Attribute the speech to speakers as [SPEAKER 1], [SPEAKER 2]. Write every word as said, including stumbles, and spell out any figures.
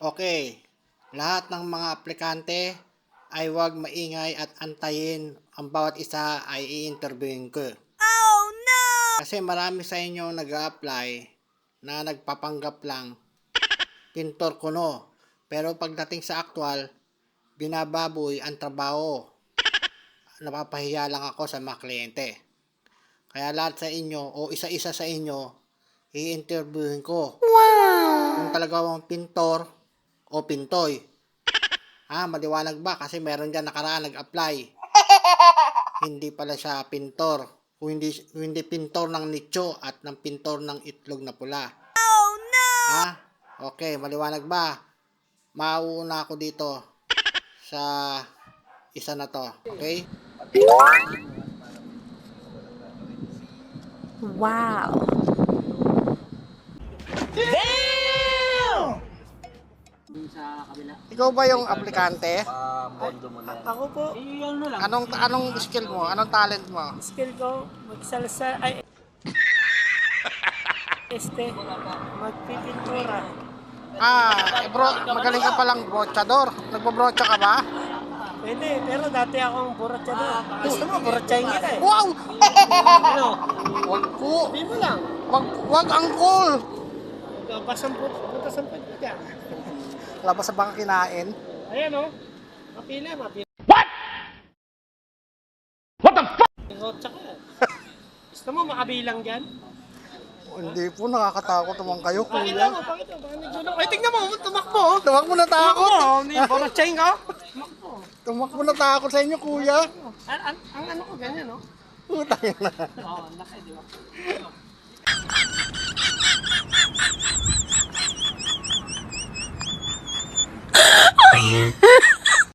[SPEAKER 1] Okay, lahat ng mga aplikante ay huwag maingay at antayin ang bawat isa ay i-interviewin ko.
[SPEAKER 2] Oh no!
[SPEAKER 1] Kasi marami sa inyo nag-a-apply na nagpapanggap lang, pintor kuno. Pero pagdating sa actual, binababoy ang trabaho. Napapahiya lang ako sa mga kliyente. Kaya lahat sa inyo o isa-isa sa inyo, i-interviewin ko.
[SPEAKER 2] Wow!
[SPEAKER 1] Kung talaga mong pintor o pintoy. Ah, maliwanag ba? Kasi meron dyan nakaraan nag-apply. Hindi pala siya pintor. Kung hindi, kung hindi pintor ng nicho at ng pintor ng itlog na pula.
[SPEAKER 2] Oh no!
[SPEAKER 1] Ah, okay, maliwanag ba? Mauuna ako dito sa isa na to. Okay?
[SPEAKER 2] Wow!
[SPEAKER 1] Ikaw ba yung aplikante?
[SPEAKER 3] Ako po,
[SPEAKER 1] Anong anong skill mo? Anong talent mo?
[SPEAKER 3] skill ko, magsalsa, ay, este, magpipintura.
[SPEAKER 1] Ah, eh bro, magaling ka palang brochador. Nagbobrocha ka ba?
[SPEAKER 3] Pwede, pero dati akong borotsyador. Gusto mo, borotsahin kita eh.
[SPEAKER 1] Wow!
[SPEAKER 3] Ano?
[SPEAKER 1] Wag po.
[SPEAKER 3] Sabi mo lang.
[SPEAKER 1] Wag, wag angkol.
[SPEAKER 3] Labas ang puto, puto sa puto dyan.
[SPEAKER 1] Labas sa baka kinain.
[SPEAKER 3] Ayan o. Mapila, mapila. What? What the fuck? Borotsa ka. Gusto mo makabilang dyan?
[SPEAKER 1] Hindi po, nakakatakot naman kayo,
[SPEAKER 3] Pakita
[SPEAKER 1] kuya.
[SPEAKER 3] mo, pakita mo. Baka nagulong. Ay, tingnan mo, tumakbo. oh.
[SPEAKER 1] Tumakbo na takot.
[SPEAKER 3] Tumakbo, hindi borotsahin ka. Tumakbo.
[SPEAKER 1] Tumakbo na takot sa inyo, kuya.
[SPEAKER 3] Ang, ang, ang ano ko, ganyan no?
[SPEAKER 1] Putang na.
[SPEAKER 3] Oo, ang laki, di ba?
[SPEAKER 2] Oh yeah!